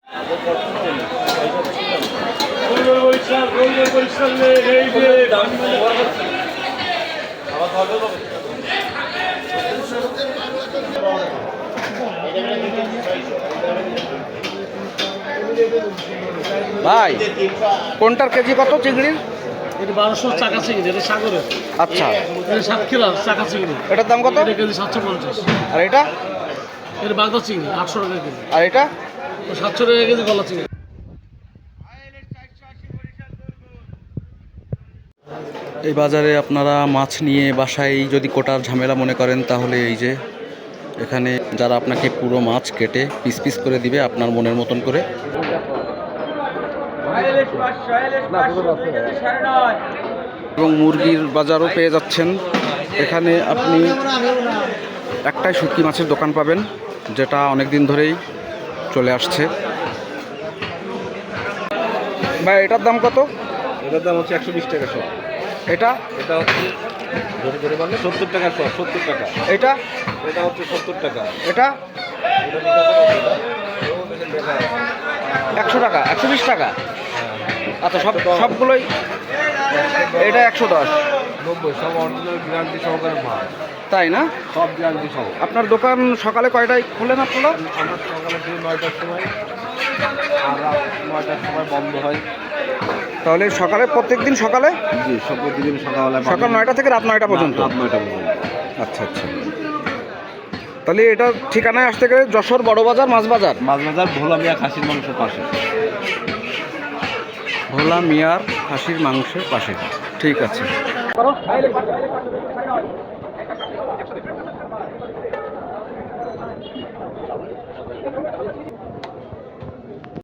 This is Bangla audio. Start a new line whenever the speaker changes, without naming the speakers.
ভাই কোনটার কেজি কত চিংড়ির?
এটা 1200 টাকা চিংড়ি, এটা সাগরের।
আচ্ছা,
এটা 7 কিলো টাকা চিংড়ি।
এটার দাম কত?
এটা কেজি 750।
আর এটা?
এটা বাগদা চিংড়ি 800 টাকা কেজি।
আর এটা?
700 টাকা কেজি গলা চিংড়ি।
এই বাজারে আপনারা মাছ নিয়ে বাসায় যদি কোটার ঝামেলা মনে করেন, তাহলে এই যে এখানে যারা আপনাকে পুরো মাছ কেটে পিস পিস করে দিবে আপনার মনের মতন করে। এবং মুরগির বাজারও পেয়ে যাচ্ছেন। এখানে আপনি একটাই শুটকি মাছের দোকান পাবেন, যেটা অনেক দিন ধরেই চলে আসছে। ভাই এটার দাম কত?
এটার দাম হচ্ছে 120 টাকা সব।
এটা?
এটা হচ্ছে 70 টাকা সব, 70 টাকা।
এটা?
এটা হচ্ছে 70 টাকা।
এটা 100 টাকা, 120 টাকা। আচ্ছা, সবগুলোই? এটা 110,
90 সব অরিজিনাল গ্যারান্টি সহকারে মাল।
তাই না?
সব গ্যারান্টি সহ।
আপনার দোকান সকালে কয়টায় খোলেন আপনারা?
আমরা সকালে থেকে 9টার সময় আর রাত 9টার সময় বন্ধ হয়।
তাহলে সকালে প্রত্যেকদিন সকালে?
জি, সব প্রতিদিন সকালবেলা
সকাল 9টা থেকে রাত 9টা পর্যন্ত?
রাত 9টা পর্যন্ত।
আচ্ছা আচ্ছা। তাহলে এটা ঠিকানায় আসতে গেলে যশোর বড় বাজার, মাছ বাজার?
মাছ বাজার, ভোলা মিয়া খাসির মাংসের পাশে।
ভোলা মিয়ার খাসির মাংসের পাশে। ঠিক আছে।